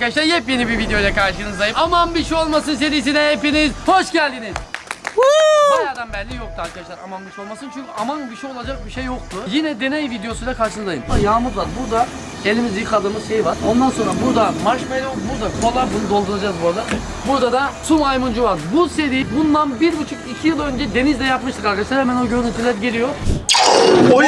arkadaşlar, yepyeni bir videoyla karşınızdayım. Aman bir şey olmasın serisine hepiniz hoş geldiniz. Bayağıdan belli yoktu arkadaşlar aman bir şey olmasın, çünkü aman bir şey olacak bir şey yoktu. Yine deney videosuyla karşınızdayım. Yağmur var burada, elimizi yıkadığımız şey var. Ondan sonra burada marshmallow, burada kola, bunu dolduracağız bu arada. Burada da su maymuncu var. Bu seri bundan 1,5-2 yıl önce denizde yapmıştık arkadaşlar. Hemen o görüntüler geliyor. Oy!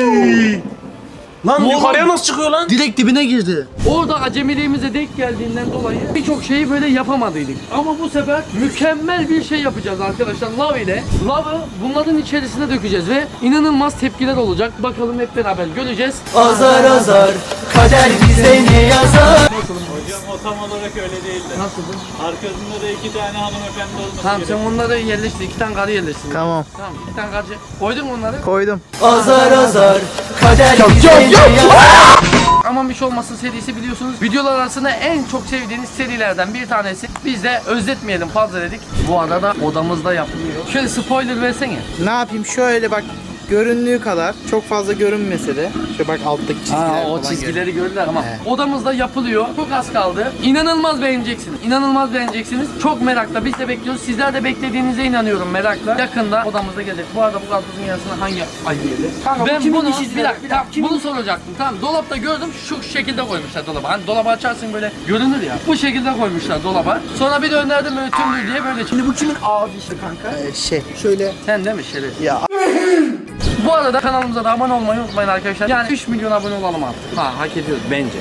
Lan Ne yukarıya oldu? nasıl çıkıyor lan? Direkt dibine girdi. Orada acemiliğimize denk geldiğinden dolayı birçok şeyi böyle yapamadıydık. Ama bu sefer mükemmel bir şey yapacağız arkadaşlar. Lav ile. Lavı bunların içerisine dökeceğiz ve inanılmaz tepkiler olacak. Bakalım hep beraber göreceğiz. Azar azar kader bize ne yazar? Hocam o tam olarak öyle değildi. Nasıldı? Arkasında da 2 tane hanımefendi olması Tamam gerekiyor. sen onları yerleştir. 2 tane karı yerleştir. Tamam, Tamam 2 tane karı. Koydun mu onları? koydum. Azar azar kader bize ne yazar? Aman bir şey olmasın serisi biliyorsunuz. Videolar arasında en çok sevdiğiniz serilerden bir tanesi. Biz de özletmeyelim fazla dedik. Bu arada odamızda yapılıyor. Şöyle spoiler versene. Ne yapayım, şöyle bak, göründüğü kadar çok fazla görünmese de şöyle bak, alttaki çizgiler O falan çizgileri gördüler ama Evet. odamızda yapılıyor. Çok az kaldı. İnanılmaz beğeneceksiniz. İnanılmaz beğeneceksiniz. Çok merakla. Biz de bekliyoruz. Sizler de beklediğinize inanıyorum merakla. Yakında odamızda gelecek. Bu arada bu karpuzun yarısını hangi ay yedi? Ben bunu bir dakika bunu soracaktım. Tamam, dolapta gördüm. Şu şekilde koymuşlar dolaba. Hani dolabı açarsın böyle görünür ya. Bu şekilde koymuşlar dolaba. Sonra bir döndürdüm böyle tümlü diye böyle. Şimdi bu kimin ağzı işte kanka? şöyle Sen değil mi Şeref? ya. Bu arada kanalımıza da abone olmayı unutmayın arkadaşlar. Yani 3 milyon abone olalım artık. Ha, hak ediyoruz bence.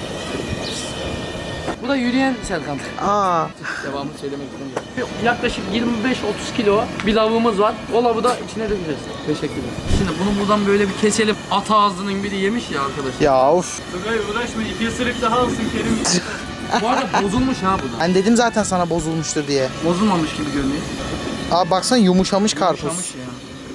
Bu da yürüyen Serkan. Devamını söylemek istemiyorum. Yaklaşık 25-30 kilo bir lavımız var. O lavı da içine dökeceğiz. Teşekkürler. Şimdi bunu buradan böyle bir keselim. At ağzının biri yemiş ya arkadaşlar. Ya of. Tugay uğraşma, 2 ısırık daha alsın Kerim. Bu arada bozulmuş ha bu da. Ben dedim zaten sana bozulmuştur diye. Bozulmamış gibi görünüyor. Abi baksana, yumuşamış karpuz. Yumuşamış ya.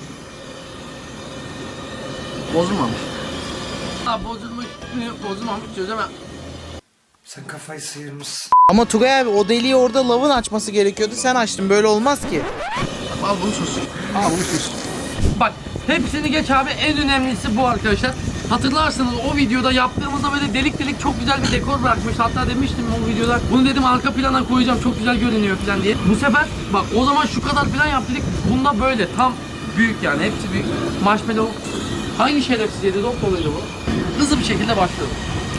Bozulmamış. Ha bozulmuş mu bozulmamış çözemem. Sen kafayı sıyırmışsın. Ama Tugay abi, o deliği orada lavın açması gerekiyordu. Sen açtın, böyle olmaz ki. Al bunu sus. Al bunu sus. Bak hepsini geç abi, en önemlisi bu arkadaşlar. Hatırlarsınız o videoda yaptığımızda böyle delik delik çok güzel bir dekor bırakmış. Hatta demiştim o videoda. Bunu dedim arka plana koyacağım, çok güzel görünüyor falan diye. Bu sefer bak o zaman şu kadar falan yaptık. Bunda böyle tam büyük yani, hepsi büyük. Marshmallow. Hangi şerefsiz yedi? Dop doluydu bu. Hızlı bir şekilde başlıyor.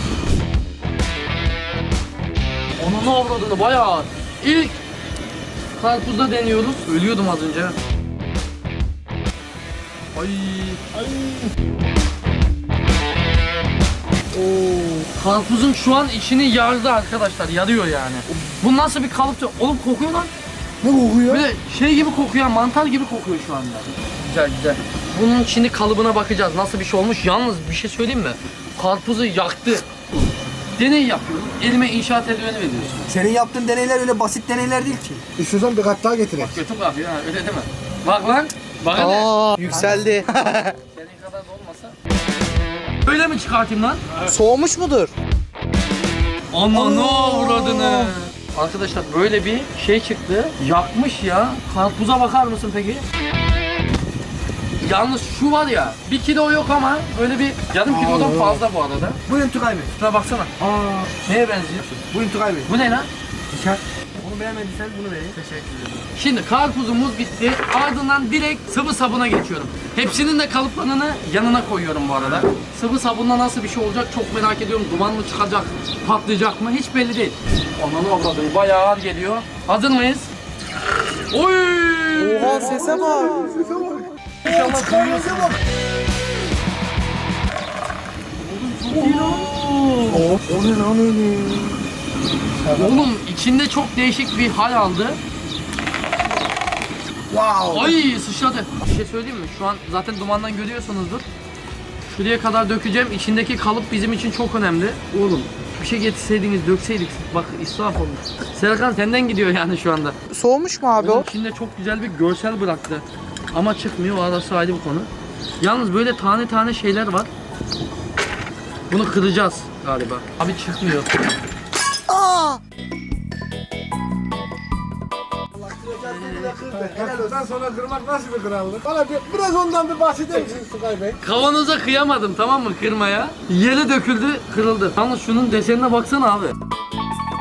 Onun ne avradını bayağı. İlk karpuzda deniyoruz. Ölüyordum az önce. Ay. Karpuzun şu an içini yardı arkadaşlar. Yarıyor yani. Bu nasıl bir kalıptı? Oğlum kokuyor lan. Ne kokuyor? Böyle şey gibi kokuyor, mantar gibi kokuyor şu anda. Güzel güzel. Bunun şimdi kalıbına bakacağız. Nasıl bir şey olmuş? Yalnız bir şey söyleyeyim mi? Karpuzu yaktı. Deney yapıyoruz. Elime inşaat eldiveni veriyorsun. Senin yaptığın deneyler öyle basit deneyler değil ki. İstiyorsan bir kat daha getireyim. Kötü bakıyor ha, öyle değil mi? Bak lan. Bak hadi. Aa, yükseldi. Senin kadar da olmasa. Öyle mi çıkartayım lan? Soğumuş mudur? Aman ne avradını. Arkadaşlar böyle bir şey çıktı. Yakmış ya. Karpuza bakar mısın peki? Yalnız şu var ya, 1 kilo yok ama böyle bir yarım kilodan fazla bu arada. Buyurun Tugay Bey. Şuna baksana. Neye benziyor? Buyurun Tugay Bey. Bu ne lan? Dikkat. Onu beğenmediysen bunu vereyim. Teşekkür ederim. Şimdi karpuzumuz bitti. Ardından direkt sıvı sabuna geçiyorum. Hepsinin de kalıplarını yanına koyuyorum bu arada. Sıvı sabunla nasıl bir şey olacak çok merak ediyorum. Duman mı çıkacak, patlayacak mı hiç belli değil. Ananı avradım, bayağı ağır geliyor. Hazır mıyız? Oy! Oha, sese bak. İnşallah duyuyorsun. O ne lan öyle? Oğlum içinde çok değişik bir hal aldı. Wow. Ay sıçradı. Bir şey söyleyeyim mi? Şu an zaten dumandan görüyorsunuzdur. Şuraya kadar dökeceğim. İçindeki kalıp bizim için çok önemli. Oğlum bir şey getirseydiniz, dökseydik. Bak israf olmuş. Serkan senden gidiyor yani şu anda. Soğumuş mu abi o? Oğlum içinde çok güzel bir görsel bıraktı. Ama çıkmıyor. O arası ayrı bir konu. Yalnız böyle tane tane şeyler var. Bunu kıracağız galiba. Abi çıkmıyor. Ondan sonra kırmak nasıl bir krallık? Bana biraz ondan bir bahseder misin Tugay Bey? Kavanoza kıyamadım, tamam mı, kırmaya. Yere döküldü, kırıldı. Yalnız şunun desenine baksana abi.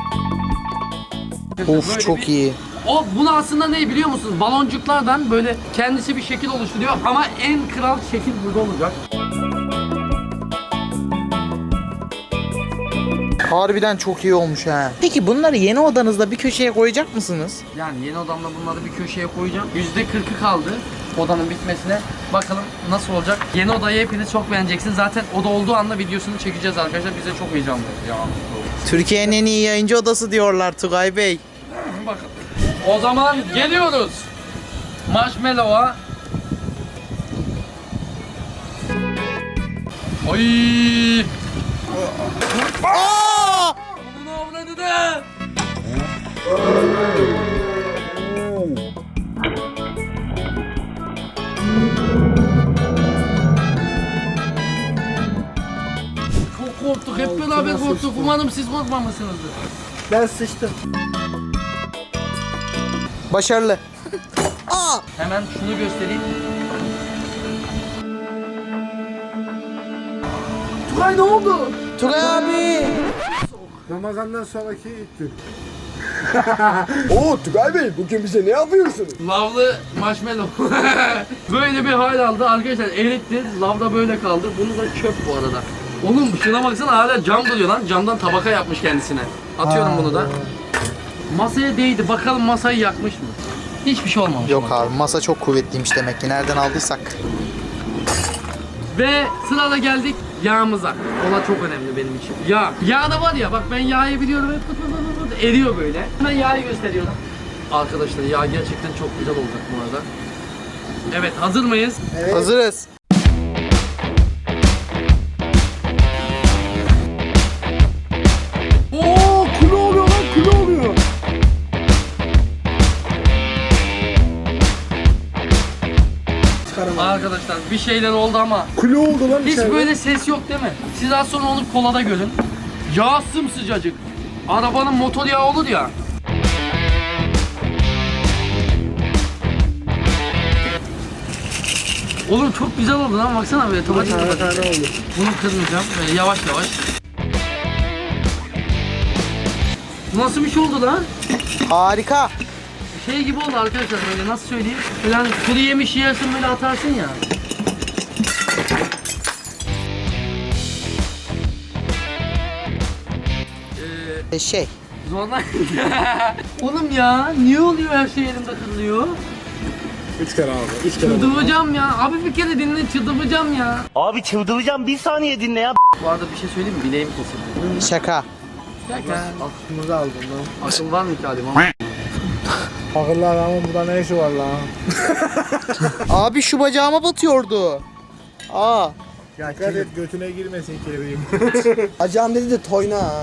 Of Böyle çok bir- iyi. O bunu aslında ne biliyor musunuz? Baloncuklardan böyle kendisi bir şekil oluşturuyor ama en kral şekil burada olacak. Harbiden çok iyi olmuş ha. Peki bunları yeni odanızda bir köşeye koyacak mısınız? Yani yeni odamda bunları bir köşeye koyacağım. %40'ı kaldı odanın bitmesine. Bakalım nasıl olacak. Yeni odayı hepiniz çok beğeneceksiniz. Zaten oda olduğu anda videosunu çekeceğiz arkadaşlar. Bize çok heyecanlı. Ya. Türkiye'nin en iyi yayıncı odası diyorlar Tugay Bey. Bakın. O zaman geliyoruz. Marshmallow'a. Ay! Aa! Bunu avladı da. Çok korktuk. Hep beraber korktuk. Umarım siz korkmamışsınızdır. Ben sıçtım. Başarılı. Aa! Hemen şunu göstereyim. Tugay ne oldu? Tugay abi. Ramazan'dan sonraki ilk gün. Oo Tugay Bey bugün bize ne yapıyorsunuz? Lavlı marshmallow. Böyle bir hal aldı. Arkadaşlar eritti. Lavda böyle kaldı. Bunu da çöp bu arada. Oğlum şuna baksana hala cam duruyor lan. Camdan tabaka yapmış kendisine. Atıyorum bunu da. Masaya değdi. Bakalım masayı yakmış mı? Hiçbir şey olmamış. Yok abi masa çok kuvvetliymiş demek ki nereden aldıysak. Ve sırada geldik yağımıza. Ola çok önemli benim için. Yağ. Yağ da var ya bak ben yağı biliyorum. Hep pıt pıt eriyor böyle. Hemen yağı gösteriyorum. Arkadaşlar yağ gerçekten çok güzel olacak bu arada. Evet hazır mıyız? Hazırız. Oo kule oluyor lan kule oluyor. Arkadaşlar bir şeyler oldu ama Kule oldu lan hiç içeride. böyle ses yok değil mi? Siz az sonra onu kolada görün. Yağ sımsıcacık. Arabanın motor yağı olur ya. Oğlum çok güzel oldu lan baksana böyle otomatik. Tane tane oldu. Bunu kırmayacağım böyle yavaş yavaş. Bu nasıl bir şey oldu lan? Harika. Şey gibi oldu arkadaşlar böyle nasıl söyleyeyim? Böyle hani kuru yemiş yersin böyle atarsın ya. Şey. Zorla. Oğlum ya niye oluyor her şey elimde kırılıyor? 3 kere abi. 3 kere. Çıldıracağım ya. Abi bir kere dinle çıldıracağım ya. Abi çıldıracağım bir saniye dinle ya. Bu arada bir şey söyleyeyim mi? Bileğim kesildi. Şaka. Şaka. Aklımızı aldın lan. Akıl var mı ki Halim? Akıllı adamın burada ne işi var lan? Abi şu bacağıma batıyordu. Aa. Ya Dikkat et götüne girmesin kelebeğim. Acağım dedi de toyna ha.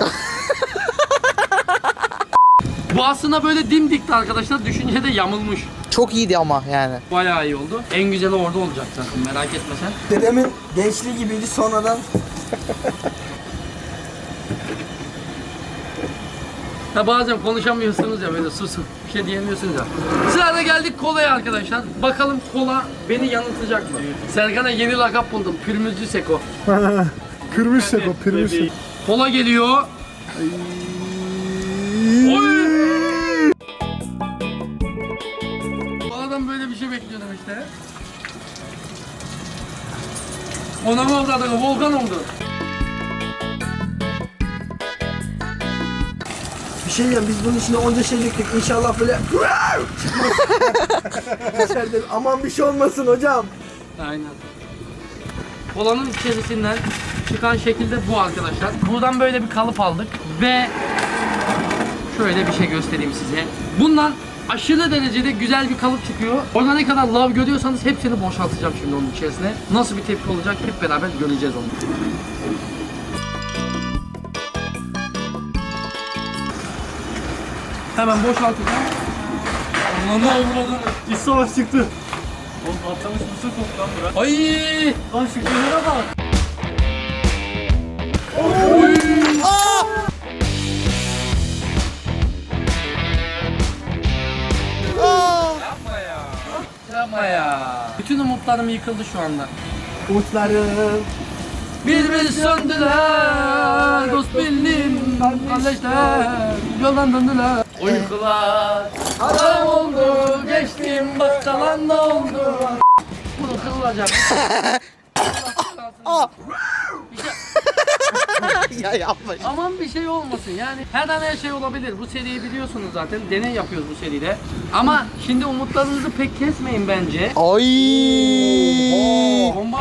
Bu aslında böyle dimdikti arkadaşlar. Düşünce de yamulmuş. Çok iyiydi ama yani. Bayağı iyi oldu. En güzeli orada olacak zaten merak etme sen. Dedemin gençliği gibiydi sonradan. Ha bazen konuşamıyorsunuz ya böyle susun. Bir şey diyemiyorsunuz ya. Sırada geldik kolaya arkadaşlar. Bakalım kola beni yanıltacak mı? Serkan'a yeni lakap buldum. Pürmüzcü Seko. Kırmışsak o pırmışsak. Kola geliyor. Oy! Koladan böyle bir şey bekliyordum işte. Ona mı oldu adamı? Volkan oldu. Bir şey diyeyim biz bunun içine onca şey döktük inşallah böyle içeride aman bir şey olmasın hocam. Aynen. Kolanın içerisinden çıkan şekilde bu arkadaşlar. Buradan böyle bir kalıp aldık ve şöyle bir şey göstereyim size. Bundan aşırı derecede güzel bir kalıp çıkıyor. Orada ne kadar lav görüyorsanız hepsini boşaltacağım şimdi onun içerisine. Nasıl bir tepki olacak hep beraber göreceğiz onu. Hemen boşaltacağım. Allah'ım ne oldu? İç savaş çıktı. Oğlum patlamış mısır koktu lan bura. Ay! Lan şu kenara bak. Yapma ya. Bütün umutlarım yıkıldı şu anda. Umutlarım Birbiri söndüler, dost bildim, kardeşler yoldan döndüler. Uykular haram oldu, geçtim bak kalan da oldu. Bunu kırılacak. Ya yapma. Aman bir şey olmasın yani her an her şey olabilir. Bu seriyi biliyorsunuz zaten, deney yapıyoruz bu seride. Ama şimdi umutlarınızı pek kesmeyin bence. Ay. Bomba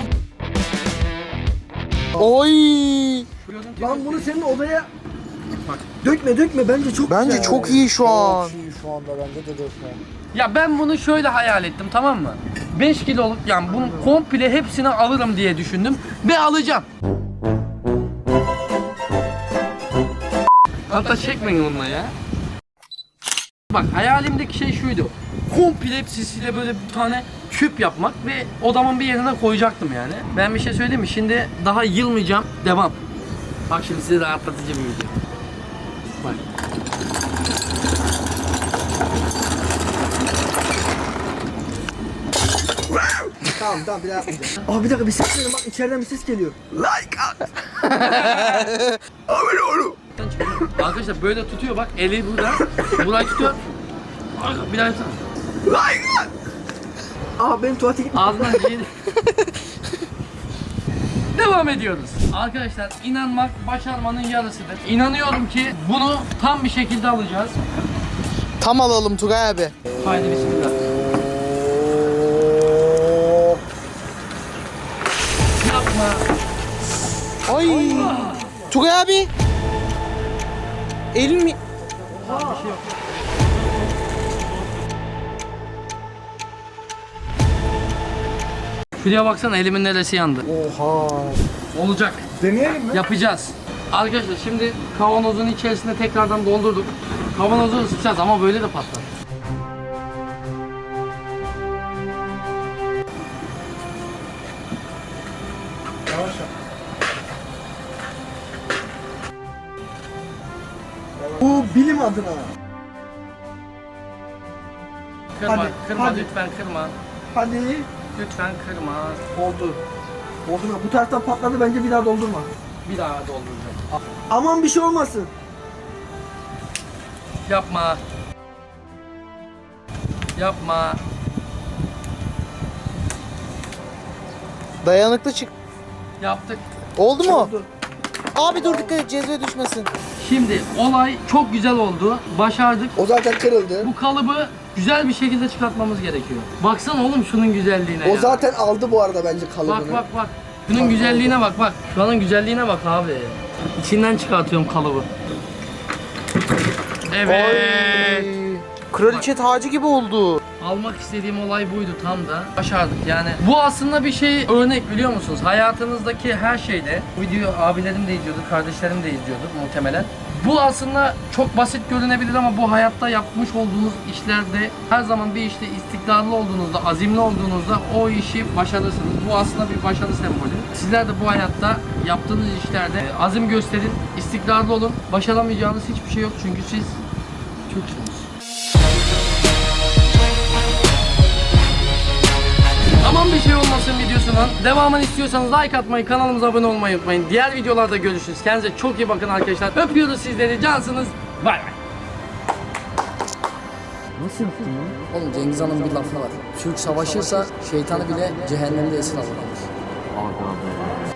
Oy. Lan bunu senin odaya Bak. dökme bence çok Bence güzel. çok iyi şu an. Çok iyi şu anda bende de dökme. Ya ben bunu şöyle hayal ettim, tamam mı? 5 kiloluk, yani bunu komple hepsini alırım diye düşündüm ve alacağım. Hatta çekmeyin onunla ya. Bak hayalimdeki şey şuydu. Komple hepsisiyle böyle bir tane küp yapmak ve odamın bir yerine koyacaktım yani. Ben bir şey söyleyeyim mi? Şimdi daha yılmayacağım. Devam. Bak şimdi size rahatlatıcı bir video. Bak. Tamam bir daha yapmayacağım. Aa bir dakika bir ses geliyor bak içeriden bir ses geliyor. Arkadaşlar böyle tutuyor bak, eli burada. Burayı tutuyor. Bir daha tutuyor. Aa benim tuvalete gitme. Ağzından ciğeri. Devam ediyoruz. Arkadaşlar inanmak başarmanın yarısıdır. İnanıyorum ki bunu tam bir şekilde alacağız. Tam alalım Tugay abi. Haydi bismillah. Yapma. Ay. Tugay abi. Elin mi? Bir şey yok. Şuraya baksana, elimin neresi yandı. Oha. Olacak. Deneyelim mi? Yapacağız. Arkadaşlar şimdi kavanozun içerisine tekrardan doldurduk. Kavanozu ısıtacağız ama böyle de patlar. Yavaş yap. Bu bilim adına. Kırma, Hadi, kırma hadi. lütfen kırma. Hadi. Lütfen kırma. Oldu. Oldu mu? Bu taraftan patladı bence bir daha doldurma. Bir daha dolduracağım. Aman bir şey olmasın. Yapma. Yapma. Dayanıklı çık. Yaptık. Oldu mu? Oldu. Abi dur dikkat et cezve düşmesin. Şimdi olay çok güzel oldu. Başardık. O zaten kırıldı. Bu kalıbı güzel bir şekilde çıkartmamız gerekiyor. Baksana oğlum şunun güzelliğine O ya. zaten aldı bu arada bence kalıbını. Bak bak bak. Şunun güzelliğine bak bak. Şuranın güzelliğine bak abi. İçinden çıkartıyorum kalıbı. Evet. Ay. Kraliçe tacı gibi oldu. Almak istediğim olay buydu tam da. Başardık yani. Bu aslında bir şey örnek, biliyor musunuz? Hayatınızdaki her şeyde. Bu videoyu abilerim de izliyordu, kardeşlerim de izliyordu muhtemelen. Bu aslında çok basit görünebilir ama bu hayatta yapmış olduğunuz işlerde her zaman bir işte istikrarlı olduğunuzda, azimli olduğunuzda o işi başarırsınız. Bu aslında bir başarı sembolü. Sizler de bu hayatta yaptığınız işlerde azim gösterin, istikrarlı olun. Başaramayacağınız hiçbir şey yok çünkü siz Türksünüz. Aman bir şey olmasın videosunun devamını istiyorsanız like atmayı, kanalımıza abone olmayı unutmayın. Diğer videolarda görüşürüz. Kendinize çok iyi bakın arkadaşlar. Öpüyoruz sizleri. Cansınız. Bay bay. Nasıl yaptın ya? Oğlum Cengiz Han'ın bir lafı var. Türk savaşırsa şeytanı bile cehennemde esir alır.